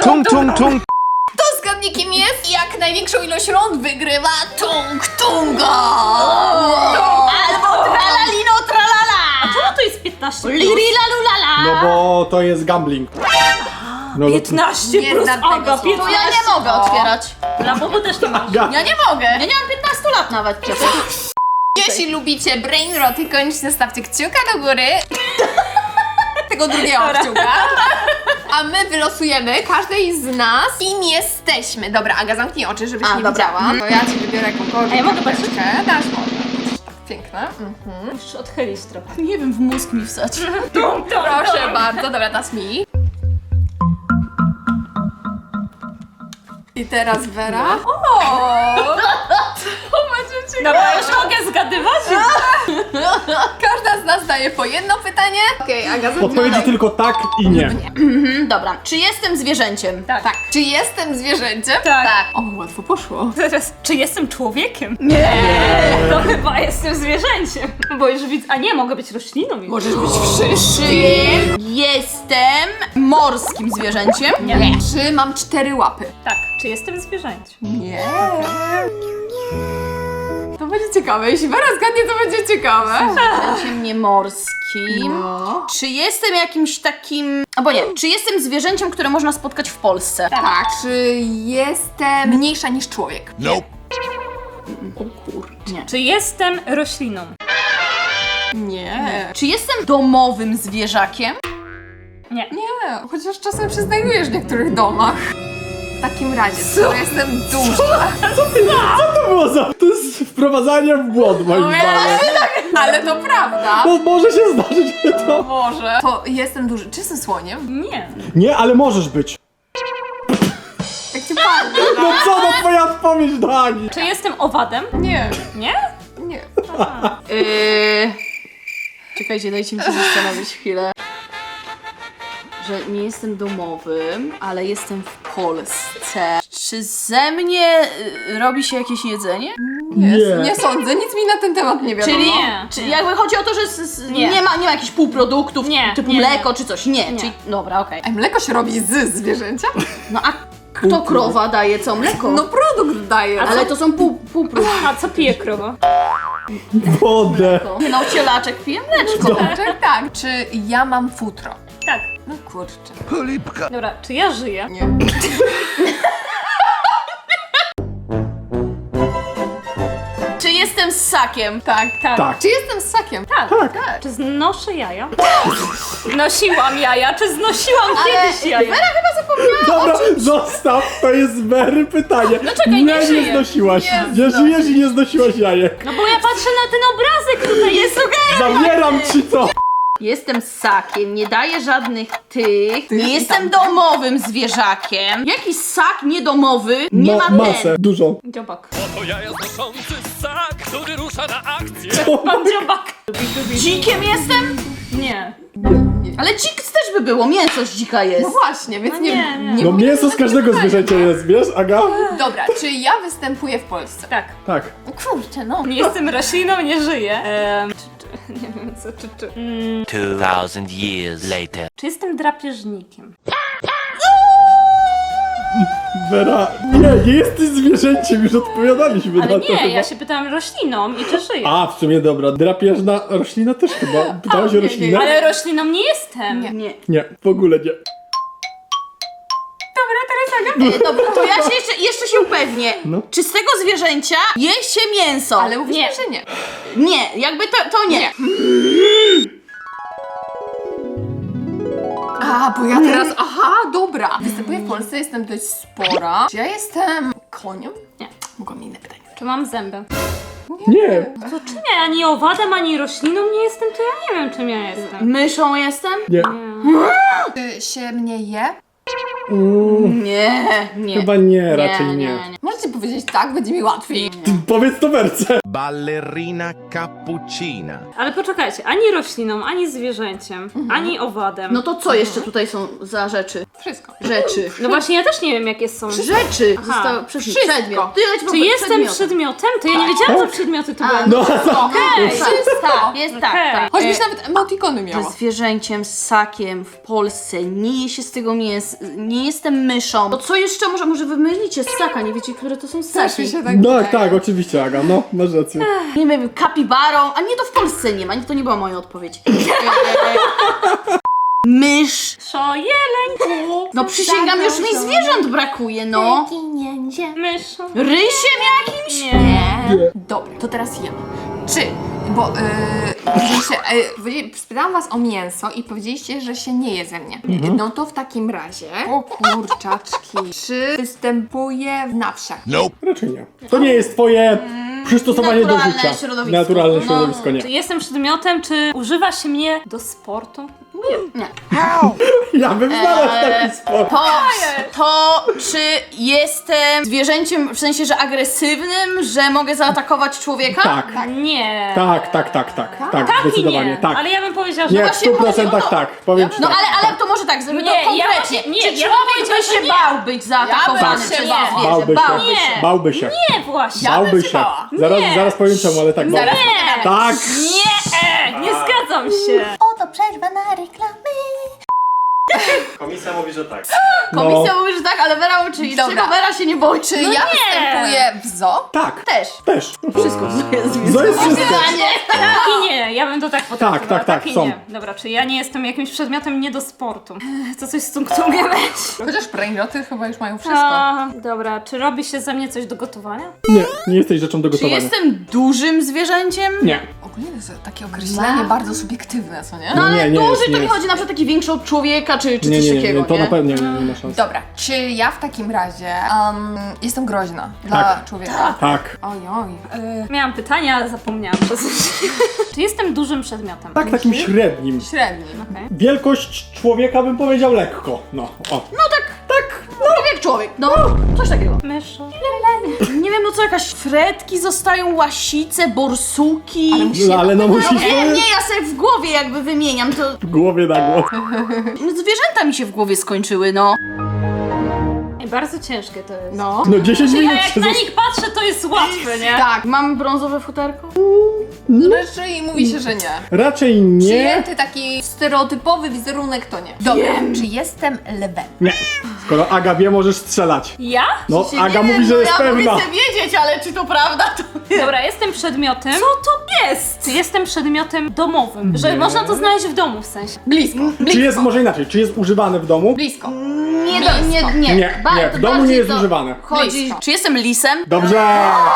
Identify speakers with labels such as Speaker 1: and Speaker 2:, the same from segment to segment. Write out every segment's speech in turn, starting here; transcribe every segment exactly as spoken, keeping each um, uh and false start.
Speaker 1: Tung, tung, tung.
Speaker 2: Kto zgadnie kim jest? Jak największą ilość rund wygrywa Tung Tunga!
Speaker 3: Albo tralalino tralala!
Speaker 4: A czemu to jest piętnaście plus?
Speaker 3: Lirila lulala!
Speaker 5: No bo to jest gambling. No,
Speaker 4: piętnaście
Speaker 2: Nie
Speaker 4: plus,
Speaker 2: znam tego
Speaker 4: Aga,
Speaker 2: słowa.
Speaker 3: To
Speaker 4: piętnaście.
Speaker 3: ja nie mogę otwierać.
Speaker 4: Dla Bobu też nie masz.
Speaker 5: Aga.
Speaker 3: Ja nie mogę. Ja nie mam piętnastu lat nawet przecież.
Speaker 2: Jeśli lubicie brain roty, koniecznie stawcie kciuka do góry. Tego drugiego kciuka. A my wylosujemy każdej z nas, kim jesteśmy. Dobra, Aga, zamknij oczy, żebyś
Speaker 3: A,
Speaker 2: nie
Speaker 3: dobra.
Speaker 2: widziała. To ja ci wybiorę jakąkolwiek
Speaker 4: A ja mogę
Speaker 2: karteczkę. Dasz może. Tak piękne. Mhm.
Speaker 4: Musisz odchylić trochę.
Speaker 3: Nie wiem, w mózg mi wsać.
Speaker 2: Proszę bardzo, dobra, teraz mi. I teraz Vera. O! To będzie ciekawe.
Speaker 4: Dobra, już mogę zgadywać?
Speaker 2: Każda z nas daje po jedno pytanie. Okej, Aga,
Speaker 5: Odpowiedzi
Speaker 2: zaczynamy.
Speaker 5: tylko tak i nie.
Speaker 3: Mhm, dobra. Czy jestem zwierzęciem?
Speaker 4: Tak.
Speaker 2: Tak. Czy jestem zwierzęciem?
Speaker 4: Tak.
Speaker 3: Tak.
Speaker 2: O, łatwo poszło.
Speaker 4: Teraz, czy jestem człowiekiem? Nie! To chyba jestem zwierzęciem. Bo już widzę, a nie, mogę być rośliną.
Speaker 2: Możesz być wszystkim.
Speaker 3: Czy jestem morskim zwierzęciem?
Speaker 4: Nie.
Speaker 2: Czy mam cztery łapy?
Speaker 4: Tak, czy jestem zwierzęciem?
Speaker 2: Nie. To będzie ciekawe. Jeśli Vera zgadnie, to będzie ciekawe.
Speaker 3: Zwierzęciem niemorskim.
Speaker 2: No.
Speaker 3: Czy jestem jakimś takim... Albo nie. Czy jestem zwierzęciem, które można spotkać w Polsce?
Speaker 2: Tak. Czy jestem mniejsza niż człowiek?
Speaker 3: O kurczę.
Speaker 4: Czy jestem rośliną?
Speaker 2: Nie.
Speaker 3: Czy jestem domowym zwierzakiem?
Speaker 4: Nie.
Speaker 2: Nie, chociaż czasem się znajdujesz w niektórych domach. W takim razie, skoro jestem duża,
Speaker 5: To było za... To jest wprowadzanie w błąd, moim zdaniem.
Speaker 2: ale to prawda,
Speaker 5: No może się zdarzyć, że to...
Speaker 2: może, to jestem duży. Czy jestem słoniem?
Speaker 4: Nie.
Speaker 5: Nie, ale możesz być.
Speaker 2: Jak cię padnę,
Speaker 5: No co to twoja odpowiedź, Dani?
Speaker 4: Czy jestem owadem?
Speaker 2: Nie,
Speaker 4: Nie?
Speaker 2: nie.
Speaker 3: Yy... Czekajcie, dajcie mi się zastanowić chwilę. Że nie jestem domowym, ale jestem w Polsce. Czy ze mnie y, robi się jakieś jedzenie?
Speaker 2: Nie,
Speaker 5: Nie.
Speaker 2: nie sądzę, nic mi na ten temat nie wiadomo.
Speaker 3: Czyli
Speaker 4: Nie.
Speaker 3: Czyli jakby chodzi o to, że z, z,
Speaker 4: Nie.
Speaker 3: nie. ma, nie ma jakichś półproduktów
Speaker 4: Nie,
Speaker 3: typu
Speaker 4: nie,
Speaker 3: mleko
Speaker 4: nie.
Speaker 3: czy coś. Nie,
Speaker 4: Nie.
Speaker 3: czyli dobra, okej.
Speaker 2: A mleko się robi z zwierzęcia?
Speaker 3: No a kto krowa daje co mleko?
Speaker 2: No produkt daje.
Speaker 3: ale to są pół, półprodukty.
Speaker 4: A co pije krowa?
Speaker 5: Wodę.
Speaker 3: No cielaczek pije mleczko.
Speaker 2: Tak, tak. Czy ja mam futro?
Speaker 4: Tak.
Speaker 2: No kurczę.
Speaker 4: Dobra, czy ja żyję?
Speaker 2: Nie.
Speaker 3: Czy jestem ssakiem?
Speaker 2: Tak,
Speaker 4: Tak.
Speaker 5: Tak.
Speaker 2: Czy jestem ssakiem?
Speaker 4: Tak.
Speaker 5: Tak.
Speaker 4: Czy znoszę jaja? Nosiłam jaja, czy znosiłam kiedyś jaja?
Speaker 5: Dobra, zostaw, to jest Mary pytanie. No
Speaker 4: czekaj, nie
Speaker 5: nie,
Speaker 4: żyję.
Speaker 5: nie znosiłaś.
Speaker 2: Nie
Speaker 5: Nie żyjesz i nie znosiłaś jajek.
Speaker 4: No bo ja patrzę na ten obrazek, tutaj jest
Speaker 5: Zabieram ci to.
Speaker 3: Jestem ssakiem, nie daję żadnych tych.
Speaker 2: Tych
Speaker 3: Nie
Speaker 2: i
Speaker 3: jestem
Speaker 2: tamtych.
Speaker 3: domowym zwierzakiem. Jakiś ssak niedomowy nie
Speaker 5: Ma,
Speaker 3: ma
Speaker 5: masę,
Speaker 3: ten.
Speaker 5: dużą.
Speaker 4: dziobak.
Speaker 6: To jaja znoszący ssak, który rusza na akcję.
Speaker 4: Pan dziobak.
Speaker 3: Dzikiem jestem?
Speaker 4: Nie.
Speaker 3: Ale dzik też by było, mięso z dzika
Speaker 2: No
Speaker 3: jest.
Speaker 2: właśnie, więc
Speaker 4: No
Speaker 2: nie,
Speaker 4: nie, nie.
Speaker 2: nie
Speaker 5: No
Speaker 2: mówię
Speaker 5: mięso z
Speaker 2: na
Speaker 5: każdego
Speaker 2: pytanie.
Speaker 5: zwierzęcia jest, wiesz, Aga?
Speaker 2: Dobra, czy ja występuję w Polsce?
Speaker 4: Tak.
Speaker 5: Tak.
Speaker 2: No kurczę, no.
Speaker 4: Nie jestem rośliną, nie żyję. Ehm, czy, czy, nie wiem co, czy, czy. Mm,
Speaker 1: Two thousand years later.
Speaker 4: czy jestem drapieżnikiem?
Speaker 5: Vera, nie, nie jesteś zwierzęciem, już odpowiadaliśmy
Speaker 4: Ale
Speaker 5: na to
Speaker 4: nie,
Speaker 5: chyba.
Speaker 4: ja się pytałam rośliną i czy żyję.
Speaker 5: A, w sumie dobra, drapieżna roślina też chyba. Pytałaś o
Speaker 2: nie,
Speaker 5: roślinę?
Speaker 4: Ale rośliną nie jestem.
Speaker 2: Nie.
Speaker 3: Nie.
Speaker 5: Nie, w ogóle nie.
Speaker 3: E, dobra, to ja się jeszcze, jeszcze się upewnię.
Speaker 5: No.
Speaker 3: Czy z tego zwierzęcia je się mięso?
Speaker 2: Ale mówisz,
Speaker 4: Nie.
Speaker 2: że nie.
Speaker 3: Nie, jakby to, to nie.
Speaker 2: Nie. A, bo ja teraz, aha, dobra. Występuję w Polsce, jestem dość spora. Czy ja jestem koniem?
Speaker 4: Nie.
Speaker 2: Mogłam inne pytanie.
Speaker 4: Czy mam zęby?
Speaker 5: Nie.
Speaker 4: To czy nie? Ani owadem, ani rośliną nie jestem, to ja nie wiem czym ja jestem.
Speaker 3: Myszą jestem?
Speaker 5: Nie.
Speaker 2: Czy się mnie je?
Speaker 5: Mm,
Speaker 3: Nie, nie.
Speaker 5: chyba nie, raczej nie.
Speaker 2: Możecie powiedzieć tak, będzie mi łatwiej.
Speaker 5: Powiedz to Werce.
Speaker 7: Ballerina cappuccina.
Speaker 4: Ale poczekajcie, ani rośliną, ani zwierzęciem, ani owadem.
Speaker 3: No to co jeszcze tutaj są za rzeczy?
Speaker 2: Wszystko.
Speaker 3: Rzeczy.
Speaker 4: No właśnie, ja też nie wiem, jakie są.
Speaker 3: Rzeczy!
Speaker 4: Aha.
Speaker 3: Zostało przez
Speaker 2: Wszystko.
Speaker 3: przedmiot. Ty leć po
Speaker 4: Czy jestem
Speaker 3: przedmiotem.
Speaker 4: przedmiotem? To ja nie wiedziałam, co przedmioty to
Speaker 3: A,
Speaker 4: będą.
Speaker 5: No, no.
Speaker 3: Okej,
Speaker 2: Wszystko.
Speaker 3: tak, jest tak,
Speaker 4: Okej.
Speaker 3: tak.
Speaker 2: Choćbyś
Speaker 3: E,
Speaker 2: nawet emotikony
Speaker 3: że
Speaker 2: miała.
Speaker 3: zwierzęciem, ssakiem w Polsce, nie je się z tego mięsa, nie jestem myszą. To co jeszcze może, może wy mylicie ssaka, nie wiecie, które to są ssaki?
Speaker 2: Też mi się tak
Speaker 5: Tak,
Speaker 2: wydaje.
Speaker 5: tak, oczywiście, Aga, no, masz rację.
Speaker 3: Nie wiem, kapibarą, a nie, to w Polsce nie ma, to nie była moja odpowiedź. Mysz.
Speaker 4: Szo, jeleń,
Speaker 3: No przysięgam, już mi zwierząt brakuje, no.
Speaker 4: myszu.
Speaker 3: Rysiem jakimś?
Speaker 4: Nie.
Speaker 2: Dobra, to teraz ja. Czy, bo yy, powiedzieliście, yy, spytałam was o mięso i powiedzieliście, że się nie je ze mnie. No to w takim razie, o kurczaczki, czy występuje w na wsiach?
Speaker 7: Nope.
Speaker 5: Raczej nie. To nie jest twoje przystosowanie do
Speaker 3: naturalne
Speaker 5: życia.
Speaker 3: środowisko.
Speaker 5: Naturalne
Speaker 3: No.
Speaker 5: środowisko, nie.
Speaker 4: Czy jestem przedmiotem, czy używa się mnie do sportu?
Speaker 3: Nie.
Speaker 5: Ja bym znalazł
Speaker 3: Eee,
Speaker 5: taki sport.
Speaker 3: To, to czy jestem zwierzęciem w sensie, że agresywnym, że mogę zaatakować człowieka?
Speaker 5: Tak.
Speaker 4: Nie.
Speaker 5: Tak, tak, tak, tak, tak,
Speaker 4: Tak i
Speaker 5: zdecydowanie,
Speaker 4: nie.
Speaker 5: tak.
Speaker 4: Ale ja bym powiedziała, że
Speaker 5: Nie, w
Speaker 3: właśnie
Speaker 5: stu
Speaker 3: chodzi o
Speaker 5: procentach
Speaker 3: to.
Speaker 5: tak, powiem ci
Speaker 3: No
Speaker 5: tak.
Speaker 3: ale, ale to może tak, żeby
Speaker 4: Nie,
Speaker 3: to
Speaker 4: ja
Speaker 3: konkretnie.
Speaker 4: właśnie- nie,
Speaker 3: czy
Speaker 4: ja bym
Speaker 3: człowiek
Speaker 4: powiedziała,
Speaker 3: by się
Speaker 4: że nie.
Speaker 3: bał być zaatakowany
Speaker 2: Ja bym
Speaker 3: przez
Speaker 2: się
Speaker 3: zwierzę?
Speaker 2: bała.
Speaker 5: Bałby
Speaker 3: Bałby
Speaker 5: się,
Speaker 3: się.
Speaker 5: bałby się.
Speaker 4: nie właśnie.
Speaker 2: Ja bym
Speaker 5: Bałby
Speaker 2: się
Speaker 5: się.
Speaker 2: bała.
Speaker 5: Zaraz,
Speaker 4: Nie.
Speaker 5: zaraz powiem czemu, ale tak bałby.
Speaker 4: Nie.
Speaker 5: Tak!
Speaker 4: Nie, e, nie zgadzam się.
Speaker 3: Oto przerwa na reklamy.
Speaker 5: Komisja mówi, że tak.
Speaker 3: Komisja
Speaker 5: No.
Speaker 3: mówi, że tak, ale Vera uczy.
Speaker 2: Dobra.
Speaker 3: Czego Vera się nie boi?
Speaker 2: Czy ja występuję w zoo?
Speaker 5: Tak,
Speaker 3: Też.
Speaker 5: też.
Speaker 3: Wszystko jest
Speaker 5: To jest wszystko.
Speaker 4: Tak i nie, ja bym to tak potraktowała.
Speaker 5: Tak, tak, tak,
Speaker 4: i
Speaker 5: są.
Speaker 4: nie. Dobra, czy ja nie jestem jakimś przedmiotem nie do sportu? Ech, To coś z tungtungiem weź.
Speaker 2: Chociaż brainroty chyba już mają wszystko.
Speaker 4: A, dobra, czy robi się ze mnie coś do gotowania?
Speaker 5: Nie, nie jesteś rzeczą do
Speaker 3: Czy
Speaker 5: gotowania.
Speaker 3: jestem dużym zwierzęciem?
Speaker 5: Nie.
Speaker 2: Ogólnie to jest takie określenie bardzo subiektywne, co nie?
Speaker 3: No ale
Speaker 5: Nie, nie
Speaker 3: duży
Speaker 5: jest,
Speaker 3: to
Speaker 5: nie
Speaker 3: mi
Speaker 5: jest.
Speaker 3: chodzi na przykład taki większy od człowieka, czy, czy
Speaker 5: Nie,
Speaker 3: coś
Speaker 5: nie, nie,
Speaker 3: takiego,
Speaker 5: nie, to
Speaker 3: nie?
Speaker 5: na pewno nie, nie, nie ma szans.
Speaker 2: Dobra, czy ja w takim razie um, jestem groźna dla
Speaker 5: Tak.
Speaker 2: człowieka?
Speaker 5: Tak.
Speaker 2: Oj, oj. Y,
Speaker 4: Miałam pytania, ale zapomniałam przez Czy jestem dużym przedmiotem?
Speaker 5: Tak, takim średnim.
Speaker 2: średni.
Speaker 4: Okej.
Speaker 5: Wielkość człowieka bym powiedział lekko. No, o.
Speaker 3: Człowiek jak człowiek, no, coś takiego.
Speaker 4: Myszu.
Speaker 3: Nie wiem, no co, jakaś fretki zostają, łasice, borsuki.
Speaker 5: No, ale no musisz
Speaker 3: Nie, nie, ja sobie w głowie jakby wymieniam, to
Speaker 5: w głowie na głowę.
Speaker 3: no, zwierzęta mi się w głowie skończyły, no.
Speaker 4: Ej, bardzo ciężkie to jest.
Speaker 2: No.
Speaker 5: No dziesięć
Speaker 4: Ja
Speaker 5: minut
Speaker 4: jak
Speaker 5: się
Speaker 4: na
Speaker 5: zas-
Speaker 4: nich patrzę, to jest łatwe, nie?
Speaker 2: Tak,
Speaker 3: Mam brązowe futerko?
Speaker 2: raczej mówi się, że nie.
Speaker 5: Raczej nie.
Speaker 2: Przyjęty taki stereotypowy wizerunek to nie. Dobra, czy jestem lwem?
Speaker 5: Nie. Skoro Aga wie, możesz strzelać.
Speaker 4: Ja?
Speaker 5: No,
Speaker 3: Się
Speaker 5: Aga
Speaker 3: nie
Speaker 5: mówi,
Speaker 3: wiem,
Speaker 5: że
Speaker 3: no
Speaker 5: jest
Speaker 3: ja
Speaker 5: pewna.
Speaker 3: mogę sobie wiedzieć, ale czy to prawda, to nie.
Speaker 4: Dobra, jestem przedmiotem. Co to jest? Czy jestem przedmiotem domowym? Że
Speaker 5: Nie.
Speaker 4: można to znaleźć w domu w sensie.
Speaker 2: Blisko.
Speaker 5: Czy jest, może inaczej, czy jest używane w domu?
Speaker 2: Blisko.
Speaker 3: Nie, do, nie, nie.
Speaker 5: Nie,
Speaker 3: Ba-
Speaker 5: nie,
Speaker 3: to
Speaker 5: w domu nie
Speaker 3: bardziej
Speaker 5: jest
Speaker 3: to
Speaker 5: używane.
Speaker 3: Chodzi,
Speaker 2: Blisko.
Speaker 3: czy jestem lisem?
Speaker 5: Dobrze.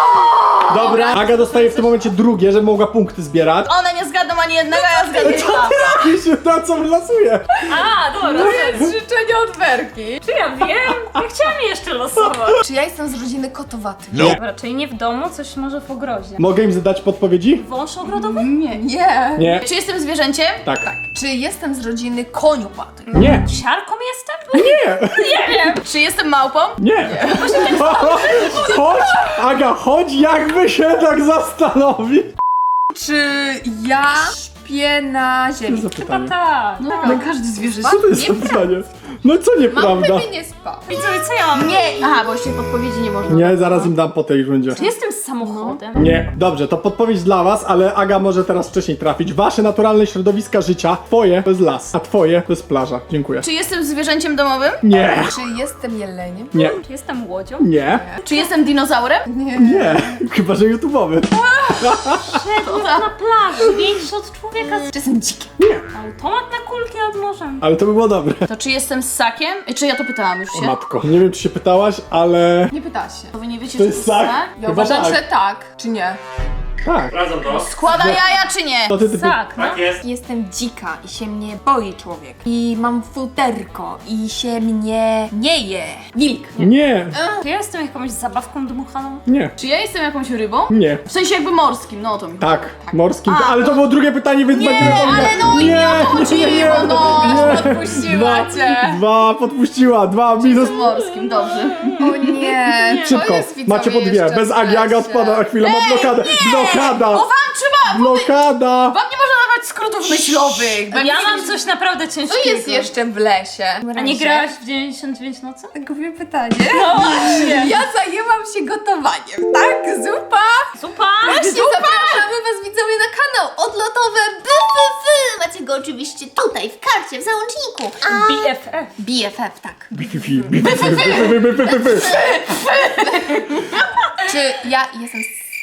Speaker 5: Dobra. Aga dostaje w tym momencie drugie, żeby mogła punkty zbierać.
Speaker 3: One nie zgadną ani jednego, a ja zgadnę dwa.
Speaker 5: I się na co wlasuje.
Speaker 4: A, dobra.
Speaker 2: To jest życzenie od Werki.
Speaker 4: Czy ja wiem? Ja chciałam jeszcze losować.
Speaker 2: Czy ja jestem z rodziny kotowatych?
Speaker 7: Nope.
Speaker 4: Dobra, czyli nie w domu, coś może w ogrodzie.
Speaker 5: Mogę im zadać podpowiedzi?
Speaker 4: Wąż ogrodowy?
Speaker 2: Nie. Nie.
Speaker 5: Nie.
Speaker 3: Czy jestem zwierzęciem?
Speaker 5: Tak.
Speaker 2: Czy jestem z rodziny koniopatych?
Speaker 5: Nie.
Speaker 4: Siarką jestem?
Speaker 5: Nie.
Speaker 3: Czy jestem małpą?
Speaker 5: Nie. Chodź, Aga, chodź, jakby się tak zastanowić.
Speaker 2: Czy ja śpię na
Speaker 5: Co
Speaker 2: ziemi?
Speaker 5: za
Speaker 4: Chyba
Speaker 5: pytanie?
Speaker 4: tak.
Speaker 3: No, każdy zwierzę.
Speaker 5: Co to jest za pytanie? No co
Speaker 2: Mam
Speaker 5: nieprawda?
Speaker 2: pewnie nie spał.
Speaker 4: Widzowie, co ja mam?
Speaker 3: Nie. Aha, bo jeszcze podpowiedzi nie można.
Speaker 5: Nie, zaraz im dam po tej rundzie.
Speaker 4: Czy jestem samochodem?
Speaker 5: Nie. Dobrze, to podpowiedź dla was, ale Aga może teraz wcześniej trafić. Wasze naturalne środowiska życia, twoje to jest las, a twoje to jest plaża. Dziękuję.
Speaker 3: Czy jestem zwierzęciem domowym?
Speaker 5: Nie.
Speaker 2: Czy jestem jeleniem?
Speaker 5: Nie.
Speaker 4: Czy jestem łodzią?
Speaker 5: Nie.
Speaker 3: Czy jestem dinozaurem?
Speaker 5: Nie. Chyba, że YouTube'owy.
Speaker 4: Szedł na plaży, większy od człowieka.
Speaker 2: Czy jestem dzikiem?
Speaker 4: Automat na kulki nad morzem.
Speaker 5: Ale to by było dobre.
Speaker 3: To czy jestem ssakiem? Czy ja to pytałam już
Speaker 5: O
Speaker 3: się?
Speaker 5: matko, nie wiem czy się pytałaś, ale...
Speaker 2: Nie pytałaś się.
Speaker 3: To wy nie wiecie,
Speaker 5: To
Speaker 3: że
Speaker 5: jest ssak?
Speaker 2: Ja
Speaker 5: Chyba
Speaker 2: uważam,
Speaker 5: tak.
Speaker 2: że tak. Czy nie?
Speaker 5: Tak.
Speaker 6: Sprawdzam to.
Speaker 3: Składa jaja czy nie?
Speaker 5: To ty, ty, ty.
Speaker 4: Tak, no.
Speaker 6: Tak jest.
Speaker 2: Jestem dzika i się mnie boi człowiek. I mam futerko i się mnie nie je. Wilk.
Speaker 5: Nie,
Speaker 4: Czy ja jestem jakąś zabawką dmuchaną?
Speaker 5: nie,
Speaker 3: Czy ja jestem jakąś rybą?
Speaker 5: nie.
Speaker 3: W sensie jakby morskim, no o to mi.
Speaker 5: Tak, morskim.
Speaker 3: A,
Speaker 5: ale to było drugie pytanie, więc
Speaker 3: Nie,
Speaker 5: będziemy
Speaker 3: ale no i nie o to chodzi, Rybą, no.
Speaker 5: nie.
Speaker 2: Podpuściła
Speaker 5: Dwa,
Speaker 2: cię.
Speaker 5: dwa, podpuściła, dwa, minus.
Speaker 3: Morskim, dobrze.
Speaker 2: O nie. to
Speaker 5: Szybko,
Speaker 2: jest, widzowie,
Speaker 5: macie po dwie.
Speaker 2: jeszcze
Speaker 5: Bez Agi, Aga
Speaker 2: wreszcie.
Speaker 5: odpada, na chwilę ma blokadę. Blokada,
Speaker 3: O, wam trzeba!
Speaker 5: blokada.
Speaker 3: Wam nie można dawać skrótów myślowych.
Speaker 4: Ja mam coś naprawdę ciężkiego.
Speaker 2: Co jest jeszcze w lesie?
Speaker 4: A nie grałaś w dziewięćdziesiąt dziewięć nocy?
Speaker 2: Głupie pytanie.
Speaker 4: No właśnie.
Speaker 2: Ja zajęłam się gotowaniem, tak? Zupa?
Speaker 4: Zupa!
Speaker 2: Właśnie zapraszamy was widzowie na kanał odlotowe B F F. Macie go oczywiście tutaj w karcie, w załączniku. A
Speaker 4: B F F.
Speaker 2: B F F, tak.
Speaker 5: Bififi, bififi, bififi, bififi, bififi.
Speaker 2: Czy ja jestem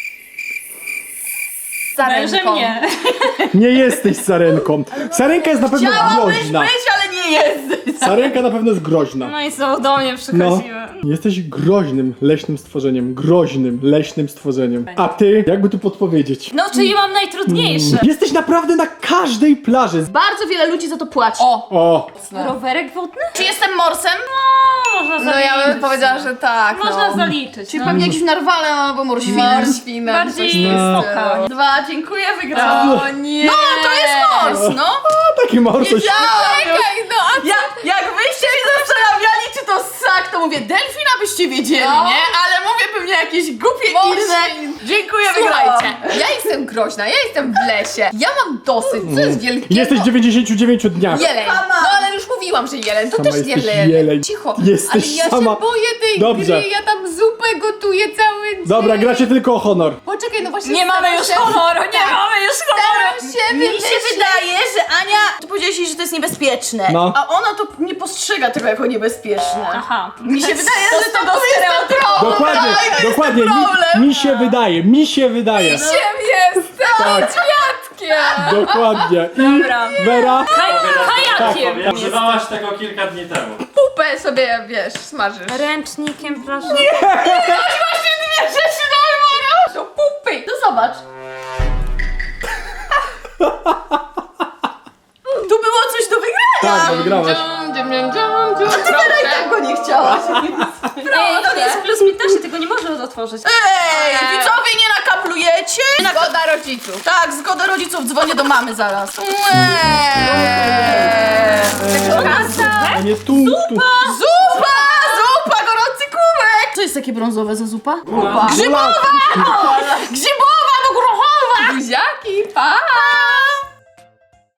Speaker 4: Wężem
Speaker 2: sarenką?
Speaker 4: nie.
Speaker 5: Nie jesteś sarenką. Sarenka jest na pewno
Speaker 3: Chciałabyś
Speaker 5: groźna.
Speaker 3: być, ale nie jesteś.
Speaker 5: Sarenka na pewno jest groźna.
Speaker 4: No i znowu do mnie
Speaker 5: No,
Speaker 4: przychodziły.
Speaker 5: jesteś groźnym leśnym stworzeniem. Groźnym leśnym stworzeniem. A ty, jakby tu podpowiedzieć?
Speaker 4: No, czyli mam najtrudniejsze.
Speaker 5: Jesteś naprawdę na każdej plaży.
Speaker 3: Bardzo wiele ludzi za to płaci.
Speaker 2: O!
Speaker 5: O,
Speaker 4: Rowerek wodny?
Speaker 3: Czy jestem morsem?
Speaker 4: No, można
Speaker 2: No
Speaker 4: zaliczyć.
Speaker 2: ja bym powiedziała, że tak.
Speaker 4: Można
Speaker 2: no.
Speaker 4: zaliczyć.
Speaker 3: Czyli
Speaker 4: no.
Speaker 3: pewnie jakiś narwalem albo morświnem.
Speaker 2: Morświnem.
Speaker 4: Bardziej
Speaker 5: No.
Speaker 4: stoka.
Speaker 3: Dwa, dziękuję, wygrałam.
Speaker 2: O nie!
Speaker 3: No, to jest mors, no.
Speaker 5: taki morsoś.
Speaker 2: Czekaj, no a
Speaker 3: Ja, jak wyście mi zastanawiali, czy to ssak, to mówię delfin, abyście wiedzieli,
Speaker 2: No.
Speaker 3: nie? Ale mówię pewnie jakieś głupie
Speaker 2: Morświn.
Speaker 3: inne. Dziękuję, wygrałam.
Speaker 2: słuchajcie, ja jestem groźna, ja jestem w lesie. Ja mam dosyć, co jest wielkiego?
Speaker 5: Jesteś w dziewięćdziesięciu dziewięciu dniach.
Speaker 2: Jeleń.
Speaker 3: Sama.
Speaker 2: No ale już mówiłam, że jeleń. To
Speaker 5: Sama
Speaker 2: też
Speaker 5: jesteś
Speaker 2: jeleń.
Speaker 5: jeleń.
Speaker 2: Cicho.
Speaker 5: Jesteś
Speaker 2: ale ja
Speaker 5: sama.
Speaker 2: się boję tej
Speaker 5: Dobrze.
Speaker 2: gry, ja tam zupę gotuję cały dzień.
Speaker 5: Dobra, gracie tylko o honor.
Speaker 2: Poczekaj, no właśnie
Speaker 4: Nie mamy
Speaker 2: staram
Speaker 4: już
Speaker 2: się-
Speaker 4: honoru, nie
Speaker 2: Tak.
Speaker 4: mamy już honoru.
Speaker 2: Staram się
Speaker 3: Mi się
Speaker 2: wymyślić.
Speaker 3: wydaje, że Ania, ty powiedziałeś jej, że to jest niebezpieczne,
Speaker 5: No.
Speaker 3: a ona to nie postrzega tego jako niebezpieczne.
Speaker 4: Aha.
Speaker 3: Mi się wydaje,
Speaker 4: To
Speaker 3: że
Speaker 4: z
Speaker 3: to
Speaker 4: tego
Speaker 3: tu jest ten problem.
Speaker 5: Dokładnie, dokładnie.
Speaker 3: problem.
Speaker 5: Mi, mi się wydaje, mi się wydaje.
Speaker 2: Siem jestem
Speaker 5: Tak.
Speaker 2: świadkiem.
Speaker 5: Dokładnie. I
Speaker 4: Dobra.
Speaker 5: Wera,
Speaker 4: Kaj- kajakiem.
Speaker 6: Powiem, używałaś tego kilka dni temu.
Speaker 2: Pupę sobie, wiesz, smażysz.
Speaker 4: Ręcznikiem, proszę.
Speaker 2: Właśnie dwie rzeczy do wyboru. To pupy.
Speaker 3: No zobacz. Tu było coś do wygrania.
Speaker 5: tak, wygrałaś.
Speaker 3: Ty teraz i tak go nie chciałaś.
Speaker 4: Ej, to jest plus piętnaście, tego nie można otworzyć.
Speaker 3: Ej, widzowie, nie nakaplujecie? Nie nak-
Speaker 2: Zgoda rodziców.
Speaker 3: tak, zgoda rodziców, dzwonię do mamy zaraz.
Speaker 2: Eee.
Speaker 5: A nie tu, tu.
Speaker 3: Zupa! Zupa, gorący kubek! Co jest takie brązowe za zupa? Kupa.
Speaker 5: Grzybowa!
Speaker 3: Grzybowa do grochowa!
Speaker 2: Buziaki, pa!